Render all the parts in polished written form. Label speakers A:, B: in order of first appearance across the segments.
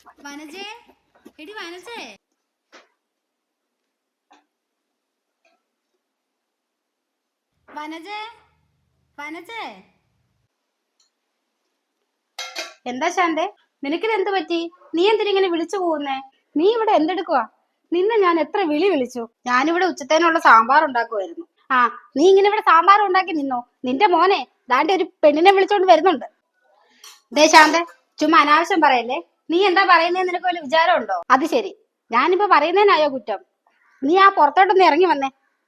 A: വനജേ, എടി വനജേ, വനജേ, വനജേ. എന്താ ശാന്തേ, നിനക്കിത് പറ്റി? നീ എന്തിനിങ്ങനെ വിളിച്ചു പോകുന്നേ? നീ ഇവിടെ എന്തെടുക്കുവാ? നിന്നെ ഞാൻ എത്ര വിളിച്ചു. ഞാനിവിടെ ഉച്ചത്തേനുള്ള സാമ്പാർ ഉണ്ടാക്കുമായിരുന്നു. ആ, നീ ഇങ്ങനെ ഇവിടെ സാമ്പാർ ഉണ്ടാക്കി നിന്നോ? നിന്റെ മോനെ ദാണ്ടെ ഒരു പെണ്ണിനെ വിളിച്ചോണ്ട് വരുന്നുണ്ട്. ദേ ശാന്തേ, ചുമ്മാ അനാവശ്യം പറയല്ലേ. നീ എന്താ പറയുന്നതെന്ന് നിനക്ക് വല്ല വിചാരം ഉണ്ടോ? അത് ശരി, ഞാനിപ്പോ പറയുന്നതിനായോ കുറ്റം? നീ ആ പുറത്തോട്ടൊന്ന് ഇറങ്ങി വന്നേ.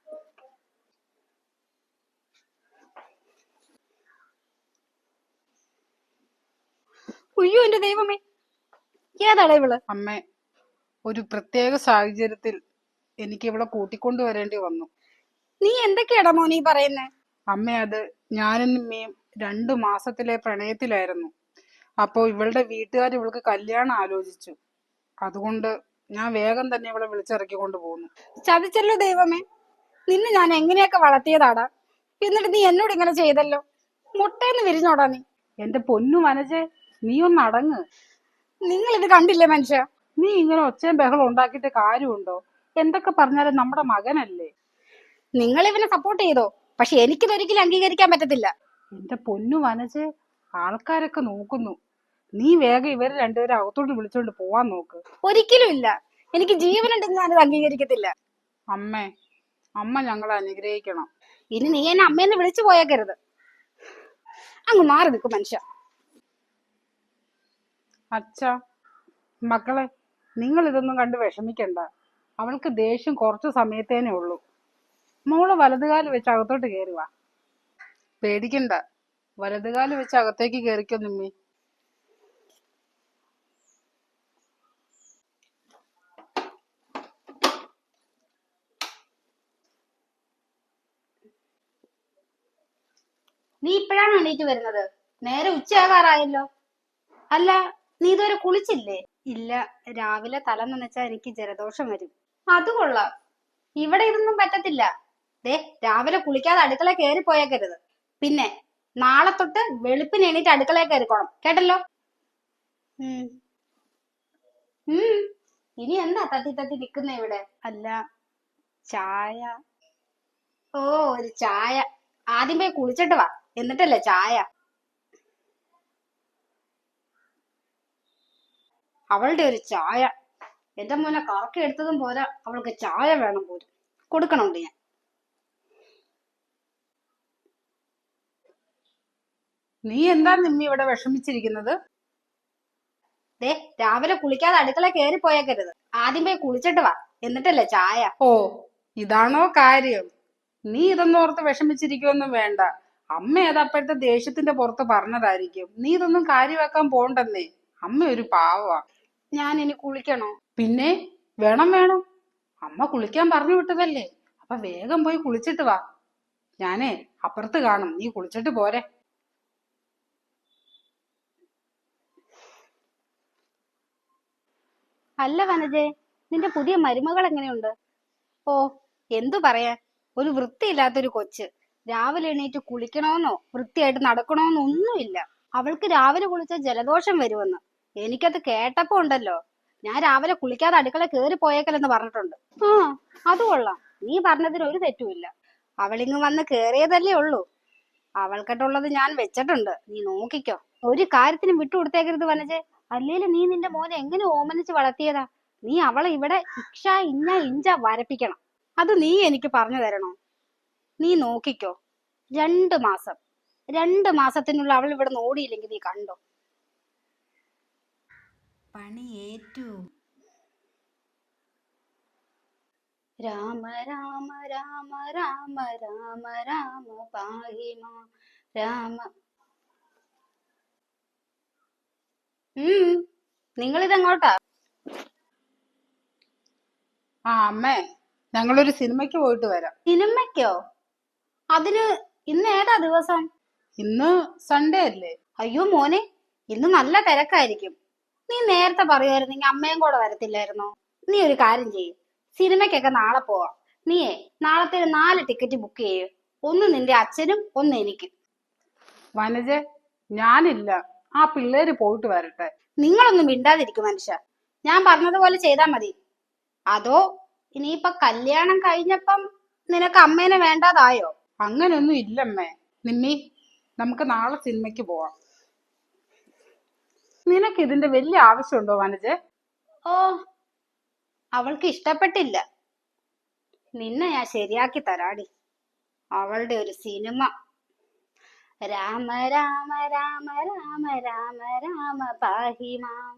A: ഉയ്യോ എന്റെ ദൈവമേ, ഏതാടാ ഇവള്?
B: അമ്മേ, ഒരു പ്രത്യേക സാഹചര്യത്തിൽ എനിക്ക് ഇവിടെ കൂട്ടിക്കൊണ്ടുവരേണ്ടി വന്നു.
A: നീ എന്തൊക്കെയാടാ മോനീ പറയുന്നേ?
B: അമ്മ, അത് ഞാനും നിമ്മയും 2 മാസത്തിലെ പ്രണയത്തിലായിരുന്നു. അപ്പോ ഇവളുടെ വീട്ടുകാർ ഇവൾക്ക് കല്യാണം ആലോചിച്ചു. അതുകൊണ്ട് ഞാൻ വേഗം തന്നെ ഇവളെ വിളിച്ചിറക്കിക്കൊണ്ട് പോന്നു.
A: ചതിച്ചല്ലോ ദൈവമേ, നിന്നെ ഞാൻ എങ്ങനെയൊക്കെ വളർത്തിയതാടാ. എന്നിട്ട് നീ എന്നോട് ഇങ്ങനെ ചെയ്തല്ലോ. മുട്ടേന്ന് വിരിഞ്ഞോടാ നീ.
B: എന്റെ പൊന്നു വനജെ, നീ ഒന്ന് അടങ്ങ്.
A: നിങ്ങൾ ഇത് കണ്ടില്ലേ മനുഷ്യ?
B: നീ ഇങ്ങനെ ഒച്ചയും ബഹളം ഉണ്ടാക്കിയിട്ട് കാര്യമുണ്ടോ? എന്തൊക്കെ പറഞ്ഞാലും നമ്മുടെ മകനല്ലേ.
A: നിങ്ങൾ ഇവനെ സപ്പോർട്ട് ചെയ്തോ, പക്ഷെ എനിക്കിതൊരിക്കലും അംഗീകരിക്കാൻ പറ്റത്തില്ല.
B: എന്റെ പൊന്നു വനജെ, ആൾക്കാരൊക്കെ നോക്കുന്നു. നീ വേഗം ഇവര് രണ്ടുപേരും അകത്തോട്ട് വിളിച്ചോണ്ട് പോവാൻ നോക്ക്.
A: ഒരിക്കലും ഇല്ല, എനിക്ക് ജീവനുണ്ടെങ്കിൽ ഞാനിത് അംഗീകരിക്കത്തില്ല.
B: അമ്മേ, അമ്മ ഞങ്ങളെ അനുഗ്രഹിക്കണം.
A: ഇനി നീ എന്നെ അമ്മയെന്ന് വിളിച്ചു പോയേക്കരുത്. അങ്ങ് മാറി നിൽക്കും മനുഷ്യ.
B: അച്ഛാ, മക്കളെ, നിങ്ങൾ ഇതൊന്നും കണ്ട് വിഷമിക്കണ്ട. അവൾക്ക് ദേഷ്യം കുറച്ചു സമയത്തേനേ ഉള്ളൂ. മോള് വലതുകാല് വെച്ച് അകത്തോട്ട് കയറുക. പേടിക്കണ്ട, വലതുകാല് വെച്ച് അകത്തേക്ക് കയറിക്കോ നിമ്മി.
A: നീ ഇപ്പോഴാണ് എണീറ്റ് വരുന്നത്? നേരെ ഉച്ചയാകാറായല്ലോ. അല്ല, നീ ഇതുവരെ കുളിച്ചില്ലേ? ഇല്ല, രാവിലെ തല നനച്ചാ എനിക്ക് ജലദോഷം വരും. അത് കൊള്ളാം, ഇവിടെ ഇതൊന്നും പറ്റത്തില്ല. ദേ, രാവിലെ കുളിക്കാതെ അടുക്കള കയറി പോയേക്കരുത്. പിന്നെ നാളെ തൊട്ട് വെളുപ്പിന് എണീറ്റ് അടുക്കളയിൽ കയറിക്കോണം, കേട്ടല്ലോ? ഇനി എന്താ തട്ടി തട്ടി നിൽക്കുന്ന ഇവിടെ? അല്ല, ചായ. ഓ, ഒരു ചായ. ആദ്യം പോയി കുളിച്ചിട്ട് വാ, എന്നിട്ടല്ലേ ചായ. അവളുടെ ഒരു ചായ. എന്റെ മോനെ കറക്കി എടുത്തതും പോരാ, അവൾക്ക് ചായ വേണം പോലും. കൊടുക്കണുണ്ട് ഞാൻ.
B: നീ എന്താ നിമ്മി ഇവിടെ വിഷമിച്ചിരിക്കുന്നത്?
A: ദേ, രാവിലെ കുളിക്കാതെ അടുക്കള കയറി പോയേക്കരുത്. ആദ്യം പോയി കുളിച്ചിട്ട് വാ, എന്നിട്ടല്ലേ ചായ.
B: ഓ, ഇതാണോ കാര്യം? നീ ഇതൊന്നും ഓർത്ത് വിഷമിച്ചിരിക്കുവൊന്നും വേണ്ട. അമ്മ ഏതപ്പോഴത്തെ ദേഷ്യത്തിന്റെ പുറത്ത് പറഞ്ഞതായിരിക്കും. നീ ഇതൊന്നും കാര്യമാക്കാൻ പോണ്ടെന്നേ. അമ്മ ഒരു പാവമാ.
A: ഞാൻ ഇനി കുളിക്കണോ?
B: പിന്നെ വേണം. അമ്മ കുളിക്കാൻ പറഞ്ഞു വിട്ടതല്ലേ, അപ്പൊ വേഗം പോയി കുളിച്ചിട്ട് വാ. ഞാനേ അപ്പുറത്ത് കാണും, നീ കുളിച്ചിട്ട് പോരെ.
A: അല്ല വനജെ, നിന്റെ പുതിയ മരുമകൾ എങ്ങനെയുണ്ട്? ഓ, എന്തു പറയാൻ, ഒരു വൃത്തിയില്ലാത്തൊരു കൊച്ച്. രാവിലെ എണീറ്റ് കുളിക്കണോന്നോ വൃത്തിയായിട്ട് നടക്കണോന്നോ ഒന്നുമില്ല. അവൾക്ക് രാവിലെ കുളിച്ച ജലദോഷം വരുമെന്ന് എനിക്കത് കേട്ടപ്പോ ഉണ്ടല്ലോ, ഞാൻ രാവിലെ കുളിക്കാതെ അടുക്കള കയറി പോയേക്കലെന്ന് പറഞ്ഞിട്ടുണ്ട്. ആ, അത് കൊള്ളാം, നീ പറഞ്ഞതിന് ഒരു തെറ്റുമില്ല. അവളിങ്ങ് വന്ന് കേറിയതല്ലേ ഉള്ളൂ. അവൾക്കിട്ടുള്ളത് ഞാൻ വെച്ചിട്ടുണ്ട്, നീ നോക്കിക്കോ. ഒരു കാര്യത്തിനും വിട്ടുകൊടുത്തേക്കരുത് വനജെ. അല്ലേലും നീ നിന്റെ മോനെ എങ്ങനെ ഓമനിച്ച് വളർത്തിയതാ. നീ അവളെ ഇവിടെ ഇക്ഷ ഇഞ്ഞ ഇഞ്ച വരപ്പിക്കണം. അത് നീ എനിക്ക് പറഞ്ഞു തരണോ? നീ നോക്കിക്കോ, 2 മാസം 2 മാസത്തിനുള്ള അവൾ ഇവിടെ ഓടിയില്ലെങ്കിൽ നീ കണ്ടോ? പണിയേറ്റു. രാമ രാമ രാമ രാമ രാമ രാമ പാഹിമ രാമ. നിങ്ങളിതെങ്ങോട്ടാ?
B: ആ അമ്മേ, ഞങ്ങളൊരു സിനിമയ്ക്ക് പോയിട്ട് വരാം.
A: സിനിമയ്ക്കോ? അതിന് ഇന്ന് ഏതാ ദിവസം?
B: ഇന്ന് സൺഡേ അല്ലേ?
A: അയ്യോ മോനെ, ഇന്ന് നല്ല തിരക്കായിരിക്കും. നീ നേരത്തെ പറയുമായിരുന്നെങ്കിൽ അമ്മയും കൂടെ വരത്തില്ലായിരുന്നോ? നീ ഒരു കാര്യം ചെയ്യ്, സിനിമയ്ക്കൊക്കെ നാളെ പോവാം. നീയേ നാളത്തെ 4 ടിക്കറ്റ് ബുക്ക് ചെയ്യ്. ഒന്ന് നിന്റെ അച്ഛനും ഒന്ന് എനിക്കും.
B: വനജെ, ഞാനില്ല. ആ പിള്ളേര് പോയിട്ട് വരട്ടെ.
A: നിങ്ങളൊന്നും മിണ്ടാതിരിക്കും മനുഷ്യ. ഞാൻ പറഞ്ഞതുപോലെ ചെയ്താ മതി. അതോ ഇനിയിപ്പൊ കല്യാണം കഴിഞ്ഞപ്പം നിനക്ക് അമ്മേനെ വേണ്ടാതായോ?
B: അങ്ങനൊന്നും ഇല്ലമ്മേ. നിമ്മി, നമുക്ക് നാളെ സിനിമയ്ക്ക് പോവാം. നിനക്ക് ഇതിന്റെ വലിയ ആവശ്യമുണ്ടോ വനജെ?
A: ഓ, അവൾക്ക് ഇഷ്ടപ്പെട്ടില്ല. നിന്നെ ഞാൻ ശരിയാക്കി തരാടി. അവളുടെ ഒരു സിനിമ. രാമ രാമ രാമ രാമ രാമ രാമ പാഹിമാം.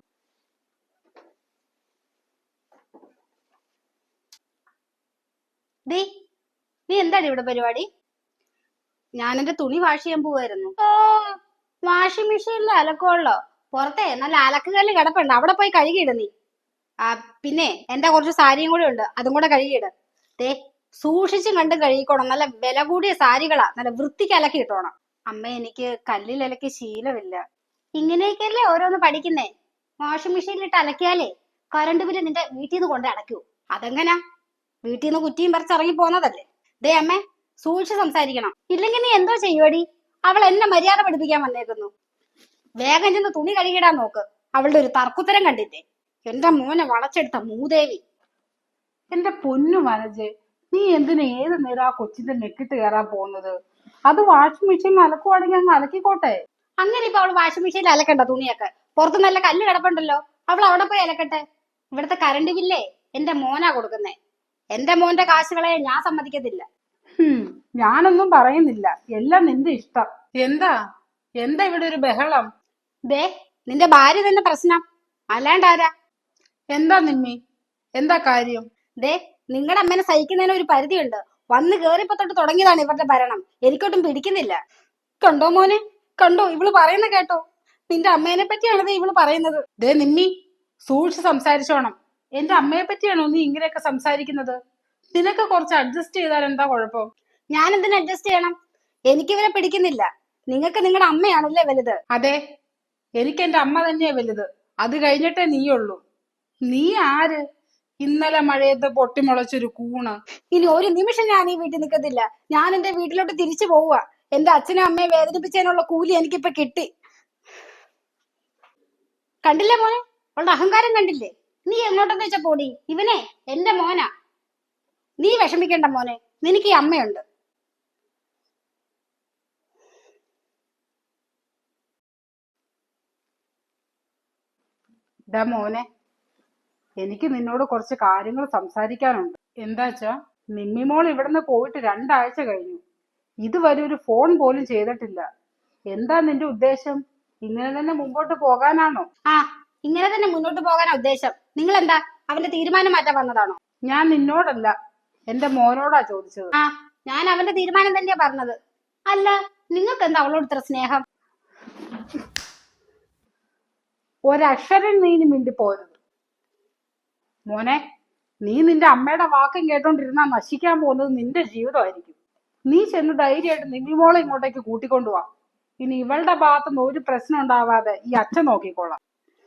A: ദേ, നീ എന്താണ് ഇവിടെ പരിപാടി? ഞാൻ എന്റെ തുണി വാഷ് ചെയ്യാൻ പോവായിരുന്നു. ഓ, വാഷിംഗ് മെഷീനിൽ അലക്കുള്ളോ? പുറത്തെ നല്ല അലക്കുകല്ല് കിടപ്പുണ്ട്, അവിടെ പോയി കഴുകിയിട നീ. ആ, പിന്നെ എന്റെ കുറച്ച് സാരിയും കൂടെ ഉണ്ട്, അതും കൂടെ കഴുകിയിട്. ദേ, സൂക്ഷിച്ചും കണ്ടും കഴുകിക്കോണം. നല്ല വില കൂടിയ സാരികളാ, നല്ല വൃത്തിക്ക് അലക്കി ഇട്ടോണം. അമ്മ, എനിക്ക് കല്ലിൽ അലക്കി ശീലമില്ല. ഇങ്ങനെയൊക്കെയല്ലേ ഓരോന്ന് പഠിക്കുന്നേ. വാഷിംഗ് മെഷീനിലിട്ട് അലക്കിയാലേ കറണ്ട് ബില്ല് നിന്റെ വീട്ടിൽ നിന്ന് കൊണ്ട് അടയ്ക്കൂ. അതെങ്ങനാ? വീട്ടിൽ നിന്ന് കുറ്റിയും പറിച്ചിറങ്ങി പോന്നതല്ലേ. ദേ അമ്മേ, സൂക്ഷിച്ച് സംസാരിക്കണം, ഇല്ലെങ്കിൽ നീ എന്തോ ചെയ്യുവടി? അവൾ എന്നെ മര്യാദ പഠിപ്പിക്കാൻ വന്നേക്കുന്നു. വേഗം ചെന്ന് തുണി കഴുകിടാൻ നോക്ക്. അവളുടെ ഒരു തർക്കുത്തരം കണ്ടില്ലേ? എന്റെ മോനെ വളച്ചെടുത്ത മൂദേവി.
B: എന്റെ പൊന്നു വനജെ, നീ എന്തിനാ ഏത് നേരം ആ കൊച്ചിന്റെ നെക്കിട്ട് കയറാൻ പോകുന്നത്? അത് വാഷിംഗ് മെഷീനിൽ അലക്കുവാണെങ്കിൽ അങ്ങ് അലക്കിക്കോട്ടെ.
A: അങ്ങനെ ഇപ്പൊ അവള് വാഷിംഗ് മെഷീനിൽ അലക്കണ്ട തുണിയൊക്കെ. പുറത്ത് നല്ല കല്ല് കിടപ്പുണ്ടല്ലോ, അവൾ അവിടെ പോയി അലക്കട്ടെ. ഇവിടുത്തെ കറണ്ട് ബില്ലേ എന്റെ മോനാ കൊടുക്കുന്നേ. എന്റെ മോന്റെ കാശുകളെ ഞാൻ സമ്മതിക്കത്തില്ല.
B: ഞാനൊന്നും പറയുന്നില്ല, എല്ലാം നിന്റെ ഇഷ്ടം. എന്താ എന്താ ഇവിടെ ഒരു ബഹളം?
A: ദേ, നിന്റെ ഭാര്യ തന്നെ പ്രശ്നം, അല്ലാണ്ടാരാ?
B: എന്താ നിമ്മി, എന്താ കാര്യം?
A: ദേ, നിങ്ങളുടെ അമ്മേനെ സഹിക്കുന്നതിന് ഒരു പരിധിയുണ്ട്. വന്ന് കേറിയപ്പോ തൊട്ട് തുടങ്ങിയതാണ് ഇവരുടെ ഭരണം. എനിക്കൊട്ടും പിടിക്കുന്നില്ല. കണ്ടോ മോനെ, കണ്ടോ ഇവള് പറയുന്ന കേട്ടോ? നിന്റെ അമ്മേനെ പറ്റിയാണ് ഇവള് പറയുന്നത്.
B: ദേ നിമ്മി, സൂക്ഷിച്ച് സംസാരിച്ചോണം. എന്റെ അമ്മയെ പറ്റിയാണോ നീ ഇങ്ങനെയൊക്കെ സംസാരിക്കുന്നത്? നിനക്ക് കുറച്ച് അഡ്ജസ്റ്റ് ചെയ്താൽ എന്താ കുഴപ്പം?
A: ഞാൻ എന്തിനു അഡ്ജസ്റ്റ് ചെയ്യണം? എനിക്ക് ഇവരെ പിടിക്കുന്നില്ല. നിങ്ങൾക്ക് നിങ്ങളുടെ അമ്മയാണല്ലേ വലുത്.
B: അതെ, എനിക്ക് എന്റെ അമ്മ തന്നെയാ വലുത്. അത് കഴിഞ്ഞിട്ടേ നീയുള്ളൂ. നീ ആര്? ഇന്നലെ മഴയത്ത് പൊട്ടിമുളച്ചൊരു കൂണ്.
A: ഇനി ഒരു നിമിഷം ഞാൻ ഈ വീട്ടിൽ നിൽക്കത്തില്ല. ഞാൻ എന്റെ വീട്ടിലോട്ട് തിരിച്ചു പോവുക. എന്റെ അച്ഛനും അമ്മയെ വേദനിപ്പിച്ചതിനുള്ള കൂലി എനിക്കിപ്പൊ കിട്ടി. കണ്ടില്ലേ മോനെ, അവളുടെ അഹങ്കാരം കണ്ടില്ലേ? നീ എങ്ങോട്ടെന്ന് വെച്ചാ പോടി. ഇവനെ എന്റെ മോനാ. നീ വിഷമിക്കണ്ട മോനെ, നിനക്ക് ഈ അമ്മയുണ്ട്.
B: ഡാ മോനെ, എനിക്ക് നിന്നോട് കുറച്ച് കാര്യങ്ങൾ സംസാരിക്കാനുണ്ട്. എന്താച്ചാ, നിമ്മിമോൾ ഇവിടുന്ന് പോയിട്ട് 2 ആഴ്ച കഴിഞ്ഞു. ഇതുവരെ ഒരു ഫോൺ പോലും ചെയ്തിട്ടില്ല. എന്താ നിന്റെ ഉദ്ദേശം? ഇങ്ങനെ തന്നെ മുമ്പോട്ട് പോകാനാണോ?
A: ആ, ഇങ്ങനെ തന്നെ മുന്നോട്ട് പോകാനാ ഉദ്ദേശം. നിങ്ങൾ എന്താ അവന്റെ തീരുമാനം മാറ്റാൻ വന്നതാണോ?
B: ഞാൻ നിന്നോടല്ല, എന്റെ മോനോടാ ചോദിച്ചത്.
A: ആ, ഞാൻ അവന്റെ തീരുമാനം തന്നെയാ പറഞ്ഞത്. അല്ല, നിങ്ങൾക്ക് എന്താ അവളോട് ഇത്ര സ്നേഹം?
B: ഒരക്ഷരം നീ ഇനി മിണ്ടിപ്പോരുത്. മോനെ, നീ നിന്റെ അമ്മയുടെ വാക്കും കേട്ടോണ്ടിരുന്നാ നശിക്കാൻ പോകുന്നത് നിന്റെ ജീവിതമായിരിക്കും. നീ ചെന്ന് ധൈര്യമായിട്ട് നിമ്മിമോളെ ഇങ്ങോട്ടേക്ക് കൂട്ടിക്കൊണ്ടുപോവാ. ഇനി ഇവളുടെ ഭാഗത്തുനിന്ന് ഒരു പ്രശ്നം ഉണ്ടാവാതെ ഈ അച്ഛൻ നോക്കിക്കോളാം.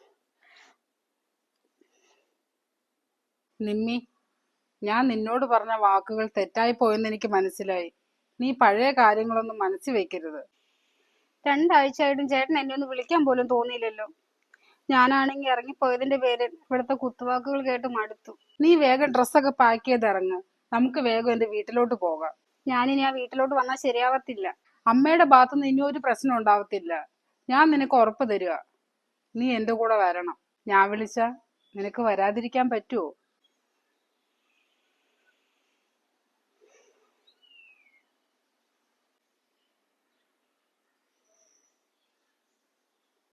B: നിമ്മി, ഞാൻ നിന്നോട് പറഞ്ഞ വാക്കുകൾ തെറ്റായി പോയെന്ന് എനിക്ക് മനസ്സിലായി. നീ പഴയ കാര്യങ്ങളൊന്നും മനസ്സിൽ വെക്കരുത്.
A: 2 ആഴ്ചയായിട്ടും ചേട്ടൻ എന്നെ ഒന്ന് വിളിക്കാൻ പോലും തോന്നിയില്ലല്ലോ. ഞാനാണെങ്കിൽ ഇറങ്ങിപ്പോയതിന്റെ പേരിൽ ഇവിടുത്തെ കുത്തുവാക്കുകൾ കേട്ട് മടുത്തു.
B: നീ വേഗം ഡ്രസ്സൊക്കെ പാക്ക് ചെയ്ത് ഇറങ്ങ്. നമുക്ക് വേഗം എന്റെ വീട്ടിലോട്ട് പോകാം.
A: ഞാനിനി ആ വീട്ടിലോട്ട് വന്നാൽ ശരിയാവത്തില്ല.
B: അമ്മയുടെ ഭാഗത്തുനിന്ന് ഇനി ഒരു പ്രശ്നം ഉണ്ടാവത്തില്ല. ഞാൻ നിനക്ക് ഉറപ്പ് തരിക. നീ എന്റെ കൂടെ വരണം. ഞാൻ വിളിച്ചാ നിനക്ക് വരാതിരിക്കാൻ പറ്റുമോ?